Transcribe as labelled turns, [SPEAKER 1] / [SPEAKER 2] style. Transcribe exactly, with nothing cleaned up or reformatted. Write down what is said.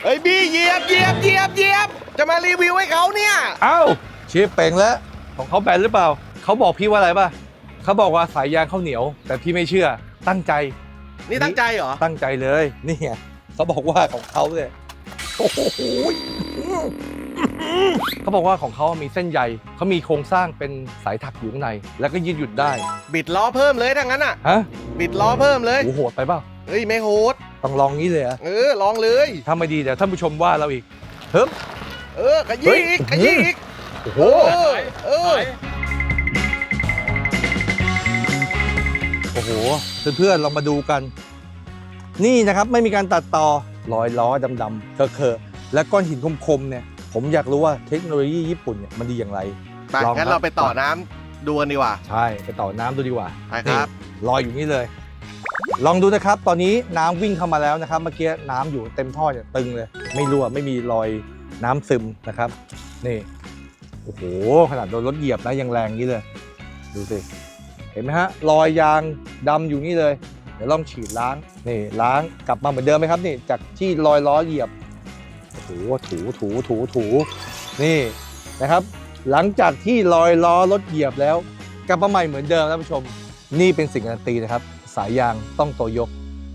[SPEAKER 1] เฮ้ยบี้เหยียบเหยียบเหยียบเหยียบจะมารีวิวให้เขาเนี่ย
[SPEAKER 2] เอ้าเชฟเป่งแล้วของเขาแบนหรือเปล่าเขาบอกพี่ว่าอะไรป่ะเขาบอกว่าสายยางเขาเหนียวแต่พี่ไม่เชื่อตั้งใจ
[SPEAKER 1] นี่ตั้งใจเหรอ
[SPEAKER 2] ตั้งใจเลยนี่ไงเขาบอกว่าของเขาเนี่ยโอ้โหเขาบอกว่าของเขามีเส้นใยเขามีโครงสร้างเป็นสายถักอยู่ข้างในแล้วก็ยืดหยุ่นได้
[SPEAKER 1] บิดล้อเพิ่มเลยถ้างั้นอ่ะ
[SPEAKER 2] ฮะ
[SPEAKER 1] บิดล้อเพิ่มเลย
[SPEAKER 2] โอ้โหโหดไปเปล่า
[SPEAKER 1] เฮ้ยไม่โหด
[SPEAKER 2] ต้องลองงี้เลยเหรอะ
[SPEAKER 1] เออลองเลย
[SPEAKER 2] ถ้าไม่ดีเดี๋ยวท่านผู้ชมว่าเราอีกเฮ้ย
[SPEAKER 1] เออขยี้อีกขยี้อีก
[SPEAKER 2] โอ้โห
[SPEAKER 1] เออเออ
[SPEAKER 2] โอ้โหเพื่อนๆเรามาดูกัน นี่นะครับไม่มีการตัดต่อรอยล้อดำๆเคอะๆและก้อนหินคมๆเนี่ยผมอยากรู้ว่าเทคโนโลยีญี่ปุ่นเนี่ยมันดีอย่างไร
[SPEAKER 1] ไปงั้นเราไปต่อน้ำดูกันดีกว่า
[SPEAKER 2] ใช่ไปต่อน้ำดูดีกว่า
[SPEAKER 1] ไปครับ
[SPEAKER 2] นี่ลอยอยู่นี่เลย ลองดูนะครับตอนนี้น้ำวิ่งเข้ามาแล้วนะครับเมื่อกี้น้ำอยู่เต็มท่อเนี่ยตึงเลยไม่รั่วไม่มีรอยน้ำซึมนะครับนี่โอ้โหขนาดโดนรถเหยียบนะยังแรงนี้เลยดูสิเห็นไหมฮะรอยยางดำอยู่นี่เลยเดี๋ยวลองฉีดล้างนี่ล้างกลับมาเหมือนเดิมไหมครับนี่จากที่รอยล้อเหยียบโอ้โหถูถูถูถูนี่นะครับหลังจากที่รอยล้อรถเหยียบแล้วกลับมาใหม่เหมือนเดิมท่านผู้ชมนี่เป็นสิ่งการันตีนะครับสายยางต้องโตโยก